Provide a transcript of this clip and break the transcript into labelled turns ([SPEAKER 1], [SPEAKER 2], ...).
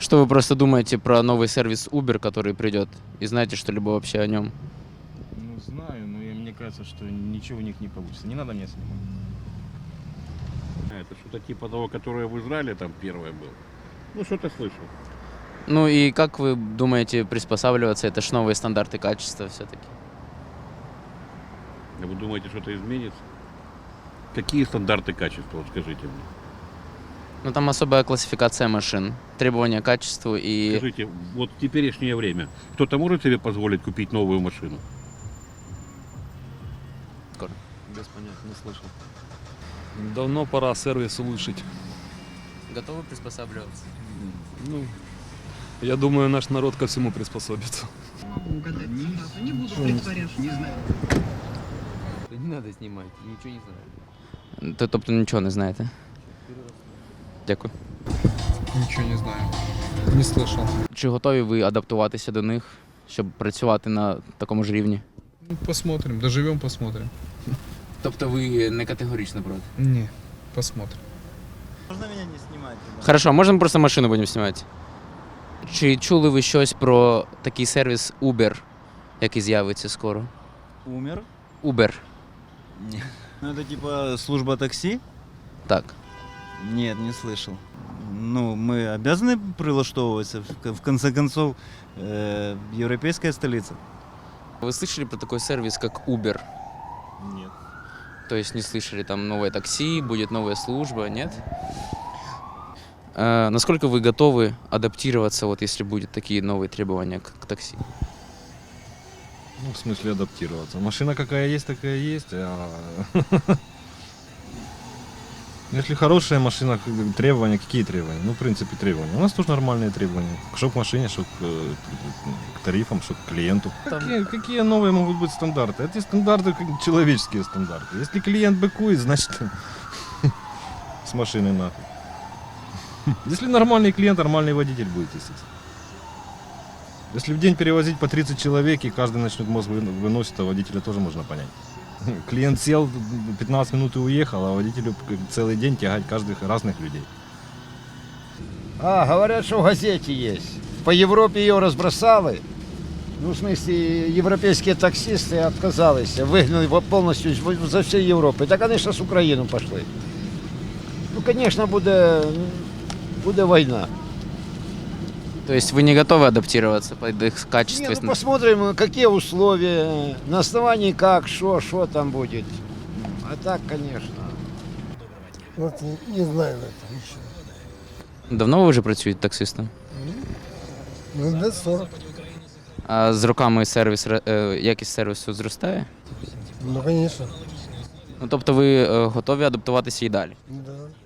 [SPEAKER 1] Что вы просто думаете про новый сервис Uber, который придет? И знаете что-либо вообще о нем?
[SPEAKER 2] Ну, знаю, но мне кажется, что ничего у них не получится. Не надо меня снимать.
[SPEAKER 3] Это что-то типа того, которое в Израиле там первое было. Ну, что-то слышал.
[SPEAKER 1] Ну и как вы думаете приспосабливаться? Это ж новые стандарты качества все-таки.
[SPEAKER 3] А вы думаете, что-то изменится? Какие стандарты качества, вот скажите мне?
[SPEAKER 1] Ну там особая классификация машин, требования к качеству и...
[SPEAKER 3] Скажите, вот в теперешнее время кто-то может себе позволить купить новую машину?
[SPEAKER 4] Без понятия, не слышал. Давно пора сервис улучшить.
[SPEAKER 1] Готовы приспосабливаться?
[SPEAKER 4] Ну, я думаю, наш народ ко всему приспособится.
[SPEAKER 5] Могу угадать. Не буду притворяться. Не знаю.
[SPEAKER 6] Не надо снимать, ничего не знаю.
[SPEAKER 1] Тобто нічого не знаєте? Дякую.
[SPEAKER 7] Ничего не знаю. Не слышал.
[SPEAKER 1] Чи готові ви адаптуватися до них, щоб працювати на такому ж рівні?
[SPEAKER 7] Ну, посмотрим. Доживем, посмотрим.
[SPEAKER 1] Тобто ви не категорично проти?
[SPEAKER 7] Не, посмотрим.
[SPEAKER 8] Можно меня не снимать?
[SPEAKER 1] Хорошо, можна ми просто машину будемо знімати? Чи чули ви щось про такий сервіс Uber, який з'явиться скоро?
[SPEAKER 8] Умер?
[SPEAKER 1] Uber.
[SPEAKER 8] Нет. Ну это типа служба такси?
[SPEAKER 1] Так.
[SPEAKER 8] Нет, не слышал. Ну, мы обязаны прилаштовываться, в конце концов, европейская столица.
[SPEAKER 1] Вы слышали про такой сервис, как Uber?
[SPEAKER 2] Нет.
[SPEAKER 1] То есть не слышали, там новое такси, будет новая служба, нет? Насколько вы готовы адаптироваться, вот если будут такие новые требования к такси?
[SPEAKER 2] Ну, в смысле адаптироваться. Машина какая есть, такая есть. Если хорошая машина, требования, какие требования? Ну, в принципе, требования. У нас тоже нормальные требования. Что к машине, что к тарифам, что к клиенту. Какие новые могут быть стандарты? Эти стандарты человеческие стандарты. Если клиент быкует, значит с машиной нахуй. Если нормальный клиент, нормальный водитель будет, естественно. Если в день перевозить по 30 человек и каждый начнет мозг выносить, то водителя тоже можно понять. Клиент сел, 15 минут и уехал, а водителю целый день тягать каждых разных людей.
[SPEAKER 9] Говорят, что в газете есть. По Европе ее разбросали. Ну, в смысле, европейские таксисты отказались, выгнали его полностью за всей Европы. Да, конечно, с Украины пошли. Ну, конечно, будет война.
[SPEAKER 1] То есть вы не готовы адаптироваться под их качество?
[SPEAKER 9] Не, ну, посмотрим, какие условия, на основании как, что там будет. А так, конечно.
[SPEAKER 10] Вот не знаю это еще.
[SPEAKER 1] Давно ви вже працюєте таксистом?
[SPEAKER 10] Ну, лет 40.
[SPEAKER 1] А з роками якість сервісу зростає?
[SPEAKER 10] Ну, конечно.
[SPEAKER 1] Ну, тобто ви готові адаптуватися і далі?
[SPEAKER 10] Да.